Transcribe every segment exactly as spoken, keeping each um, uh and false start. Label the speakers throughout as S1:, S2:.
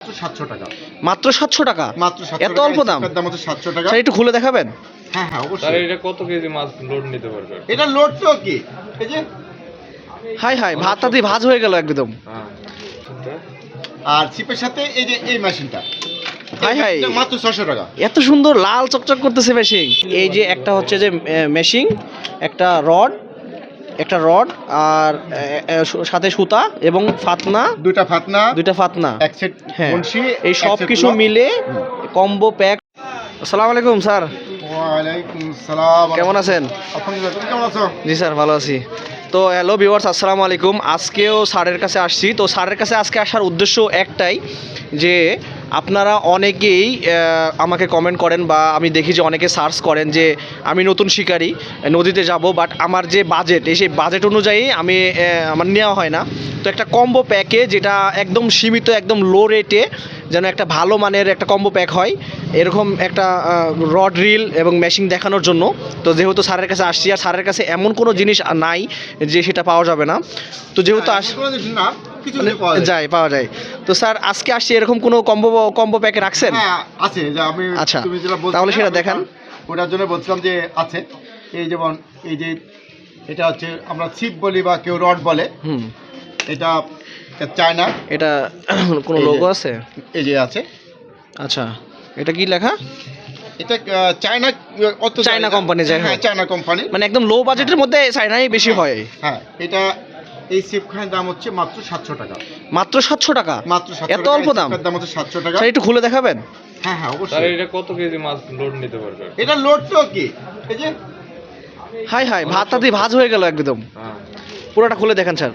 S1: সাতশো টাকা
S2: মাত্র সাতশো টাকা
S1: মাত্র সাতশো
S2: এত
S1: টাকা
S2: অল্প দাম
S1: দাম হচ্ছে সাতশো টাকা
S2: স্যার একটু খুলে দেখাবেন
S1: হ্যাঁ হ্যাঁ অবশ্যই
S3: স্যার এটা কত কেজি মাছ লোড নিতে পারবে
S1: এটা লোড তো কি এই যে
S2: হাই হাই ভাতটা দিয়ে ভাজ হয়ে গেল একদম
S3: হ্যাঁ
S1: আর চিপের সাথে এই যে এই মেশিনটা
S2: হাই হাই
S1: এটা মাত্র ছয়শো টাকা
S2: এত সুন্দর লাল চকচক করতেছে মেশিন এই যে একটা হচ্ছে যে মেশিন একটা রড একটা রড আর এ, এ, সু- সাথে সুতা এবং ফাতনা
S1: দুইটা ফাতনা
S2: দুইটা ফাতনা
S1: এক সেট
S2: হ্যাঁ
S1: বনশি
S2: এই সব কিছু মিলে কম্বো প্যাক আসসালামু আলাইকুম স্যার
S1: ওয়ালাইকুম সালাম
S2: কেমন আছেন
S1: আলহামদুলিল্লাহ তুমি কেমন আছো
S2: জি স্যার ভালো আছি তো হ্যালো ভিউয়ার্স আসসালামু আলাইকুম আজকেও স্যারের কাছে আসছি তো স্যারের কাছে আজকে আসার উদ্দেশ্য একটাই যে আপনারা অনেকেই আহ, আমাকে কমেন্ট করেন বা আমি দেখি যে অনেকে সার্চ করেন যে আমি নতুন শিকারি নদীতে যাব বাট আমার যে বাজেট এই সেই বাজেট অনুযায়ী আমি আহ, আমার নেওয়া হয় না তো একটা কম্বো প্যাকে যেটা একদম সীমিত একদম লো রেটে যেন একটা ভালো মানের একটা কম্বো প্যাক হয় এরকম একটা রড রিল এবং মেশিন দেখানোর জন্য তো যেহেতু স্যারের কাছে আসছি আর স্যারের কাছে এমন কোনো জিনিস নাই যে সেটা পাওয়া যাবে না তো যেহেতু আস
S1: কোনো জিনিস না কিছু
S2: মানে
S1: পাওয়া যায়
S2: যায় পাওয়া যায় তো স্যার আজকে আসছি এরকম কোনো কম্বো কম্বো প্যাকে রাখছেন
S1: হ্যাঁ আছে যে আমি
S2: আচ্ছা,
S1: তুমি যেটা বলছিলে
S2: তাহলে সেটা
S1: আমি
S2: দেখান।
S1: ওটার জন্য বলছিলাম যে আছে এই যেমন এই যে এটা হচ্ছে আমরা ছিপ বলি বা কেউ রড বলে
S2: হুম
S1: এটা চায়না
S2: এটা কোনো
S1: এই যে-
S2: লোগো আছে
S1: এই যে আছে
S2: আচ্ছা এটা কি লেখা
S1: এটা আহ, চায়না অত
S2: চায়না company যাই হোক।
S1: হ্যাঁ চায়না কোম্পানি
S2: মানে একদম লো বাজেটের মধ্যে চাইনাই বেশি হয়
S1: হ্যাঁ এটা এই সিপখানের দাম হচ্ছে মাত্র সাতশো টাকা
S2: মাত্র সাতশো টাকা
S1: মাত্র সাতশো
S2: এত
S1: টাকা
S2: অল্প
S1: এই
S2: দাম
S1: সিপটার দাম হচ্ছে সাতশো টাকা
S2: স্যার একটু খুলে দেখাবেন
S1: হ্যাঁ হ্যাঁ
S3: স্যার
S1: অবশ্যই
S3: এটা কত কেজি মাছ লোড নিতে পারবে
S1: এটা লোড তো কি এই যে
S2: হাই হাই ভাতটা দিয়ে ভাজ হয়ে গেল একদম
S3: হ্যাঁ
S2: পুরোটা খুলে দেখেন স্যার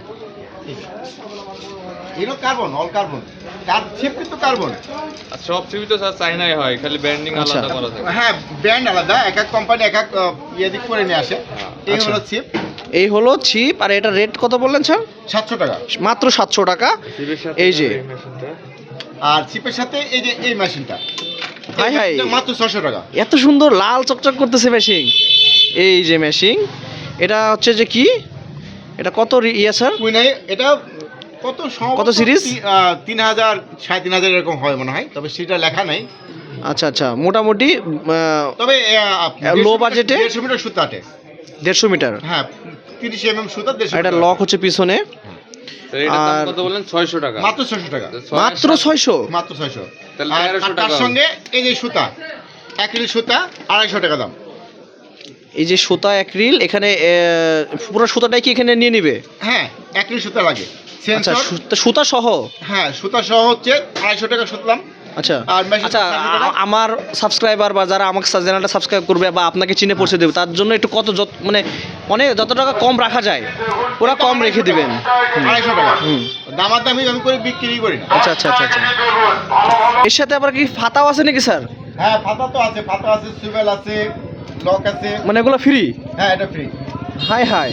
S1: এগুলো কার্বন অল কার্বন কার সিপ কিন্তু কার্বন
S3: আর সব সিবি তো স্যার চাইনাই হয় খালি ব্যান্ডিং
S2: আচ্ছা।
S3: আলাদা করা থাকে
S1: হ্যাঁ ব্র্যান্ড আলাদা এক এক কোম্পানি এক এক আহ, ইয়ে দিক করে নিয়ে আসে এই
S2: আচ্ছা।
S1: হলো সিপ
S2: এই হলো ছিপ আর এটা রেট কত বললেন স্যার
S1: সাতশো টাকা
S2: মাত্র সাতশো টাকা
S3: সিবির সাথে
S2: এই যে।
S3: মেশিনটা
S1: আর সিপের সাথে এই যে এই মেশিনটা
S2: হাই হাই
S1: এটা মাত্র ছশো টাকা
S2: এত সুন্দর লাল চকচক করতেছে মেশিন এই যে মেশিন এটা হচ্ছে যে কি এটা কত রি- ইয়ে স্যার
S1: কুইনাই এটা কত সম্ভবত
S2: কত series?
S1: তি- আহ, তিন হাজার সাড়ে তিন হাজার এরকম হয় মনে হয় তবে সেটা লেখা নাই
S2: আচ্ছা আচ্ছা মোটামুটি আহ,
S1: তবে
S2: low budget এ?
S1: দেড়শো মিটার সুতা আটে
S2: দেড়শো মিটার
S1: হ্যাঁ তিরিশ এম এম সুতা দেড়শো
S2: আর এটা
S1: মিটার।
S2: লক হচ্ছে পিছনে
S3: তো এটার দাম
S2: আর-
S3: কত বললেন ছয়শো টাকা
S1: মাত্র ছয়শো টাকা
S3: তো ছয়-
S2: মাত্র ছয়শো
S1: মাত্র ছয়শো
S3: তাহলে
S1: আর
S3: তেরোশো
S1: আর তার
S3: টাকা
S1: সঙ্গে এই যে সুতা এক রিল সুতা আড়াইশো টাকা দাম
S2: এই যে সুতা অ্যাক্রিল এখানে আহ, পুরো সুতাটাই কি এখানে নিয়ে নিবে
S1: হ্যাঁ এক রিল সুতা লাগে
S2: আচ্ছা
S1: সেন্সর
S2: সুতা- সুতা সহ
S1: হ্যাঁ সুতা সহ হচ্ছে আড়াইশো টাকা সুতলাম
S2: আচ্ছা
S1: আর machine
S2: আচ্ছা
S1: চারশো টাকা?
S2: আ- আমার সাবস্ক্রাইবার বা যারা আমাকে চ্যানেলটা সাবস্ক্রাইব করবে বা আপনাকে চিনে পৌঁছে দেবে তার জন্য একটু কত যত মানে অনেক যত টাকা কম রাখা যায় ওরা কম রেখে দিবেন হুম।
S1: আড়াইশো টাকা
S2: হুম।
S1: দামাদামি আমি করে বিক্রি করি না
S2: আচ্ছা আচ্ছা আচ্ছা আচ্ছা এর সাথে আবার কি ফাতাও আছে নাকি স্যার
S1: হ্যাঁ ফাতা তো আছে ফাতা আছে সুইভেল আছে লক আছে
S2: মানে এগুলো ফ্রি
S1: হ্যাঁ এটা ফ্রি
S2: হাই হাই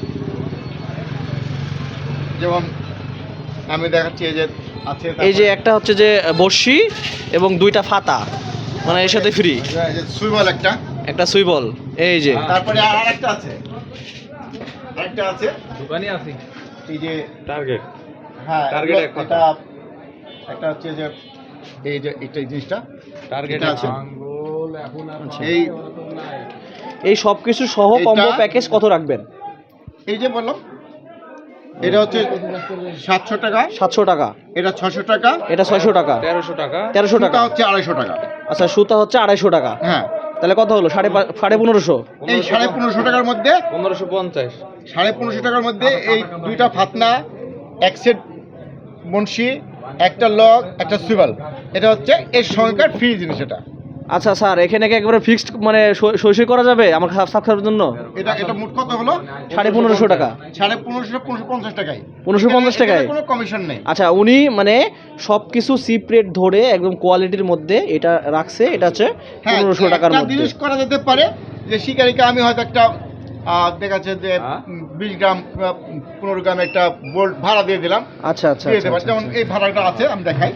S1: যেমন আমি দেখাচ্ছি এই যে আছে
S2: এই যে একটা হচ্ছে যে বড়শি এবং দুইটা ফাতা মানে এর সাথে ফ্রি
S1: সুইভেল একটা
S2: একটা সুইবল এই যে
S1: তারপরে আর একটা আছে আরেকটা আছে
S3: দোকানে আছি
S1: এই যে
S3: টার্গেট
S1: হ্যাঁ
S3: Target
S1: এগুলো-
S3: এক কথা।
S1: এটা একটা হচ্ছে যে এই যে এটা এই জিনিসটা
S3: টার্গেট
S1: এটা আছে।
S2: আচ্ছা।
S1: এই
S2: এই সব কিছু সহ
S1: এটা-
S2: কম্বো প্যাকেজ কত রাখবেন
S1: এই যে বললাম এটা হচ্ছে সাতশো টাকা
S2: সাতশো টাকা
S1: এটা ছশো টাকা
S2: এটা ছয়শো টাকা
S3: তেরোশো টাকা
S2: তেরোশো টাকা
S1: সুতা হচ্ছে আড়াইশো টাকা
S2: আচ্ছা সুতা হচ্ছে আড়াইশো টাকা
S1: হ্যাঁ
S2: তাহলে কত হলো সাড়ে পা- সাড়ে পনেরোশো
S1: এই সাড়ে পনেরোশো টাকার মধ্যে
S3: পনেরোশো পঞ্চাশ
S1: সাড়ে পনেরোশো টাকার মধ্যে এই দুইটা ফাতনা এক সেট বনশি একটা লক একটা সুইভাল এটা হচ্ছে এর সঙ্গেকার ফ্রি জিনিস এটা
S2: আচ্ছা স্যার এখানে কি একেবারে ফিক্সড মানে সই সই করা যাবে আমার সাবস্ক্রাইবের জন্য
S1: এটা এটা মোট কত হলো
S2: সাড়ে পনেরোশো টাকা
S1: সাড়ে পনেরোশো পনেরোশো পঞ্চাশ টাকায়
S2: পনেরোশো পঞ্চাশ
S1: এখানে-
S2: টাকায়?
S1: এখানে কোনো কমিশন নেই
S2: আচ্ছা উনি মানে সব কিছু চিপ রেট ধরে একদম কোয়ালিটির মধ্যে এটা রাখছে এটা হচ্ছে
S1: হ্যাঁ
S2: পনেরোশো টাকার
S1: একটা
S2: মধ্যে
S1: জিনিস করা যেতে পারে যে শিকারিকে আমি হয়তো একটা আহ, দেখা যাচ্ছে যে
S3: হ্যাঁ?
S1: উম, বিশ গ্রাম বা পনেরো গ্রাম একটা বোল্ট ভাড়া দিয়ে দিলাম
S2: আচ্ছা আচ্ছা
S1: দিয়ে
S2: আচ্ছা,
S1: দেবো
S2: আচ্ছা,
S1: যেমন
S2: আচ্ছা।
S1: এই ভাড়াটা আছে আমি দেখাই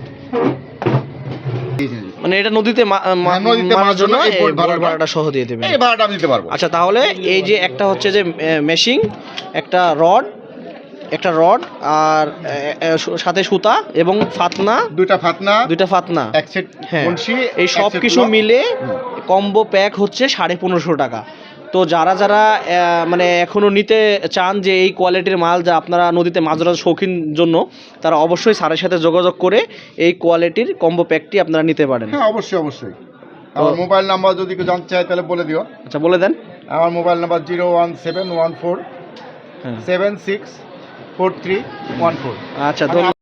S2: মানে এটা নদীতে মা- মা-
S1: হ্যাঁ, নদীতে
S2: মারার
S1: মারার
S2: জন্য
S1: জন্য এই
S2: এই
S1: বোট
S2: বোট
S1: ভাড়াটা-
S2: ভাড়াটা সহ দিয়ে দেবেন
S1: এই ভাড়াটা আমি দিতে পারবো
S2: আচ্ছা তাহলে এই যে একটা হচ্ছে যে মেশিন একটা রড একটা রড আর এ, এ, সু- সাথে সুতা এবং ফাতনা,
S1: দুইটা ফাতনা,
S2: দুইটা ফাতনা,
S1: এক সেট
S2: হ্যাঁ
S1: বনশি,
S2: এই
S1: এক
S2: সব
S1: সেট
S2: কিছু
S1: লক।
S2: মিলে
S1: হুম।
S2: কম্বো প্যাক হচ্ছে সাড়ে পনেরোশো টাকা। তো যারা যারা আহ, মানে এখনও নিতে চান যে এই কোয়ালিটির মাল যা আপনারা নদীতে মাছ ধরার শৌখিন জন্য, তারা অবশ্যই স্যারের সাথে যোগাযোগ করে এই কোয়ালিটির কম্বো প্যাকটি আপনারা নিতে পারেন।
S1: হ্যাঁ অবশ্যই অবশ্যই। আমার মোবাইল নাম্বার যদি কেউ জানতে চায় তাহলে বলে দিও।
S2: আচ্ছা বলে দেন।
S1: আমার mobile number zero one seven one four
S2: হ্যাঁ
S1: seven six four three one four.
S2: আচ্ছা ধন্যবাদ।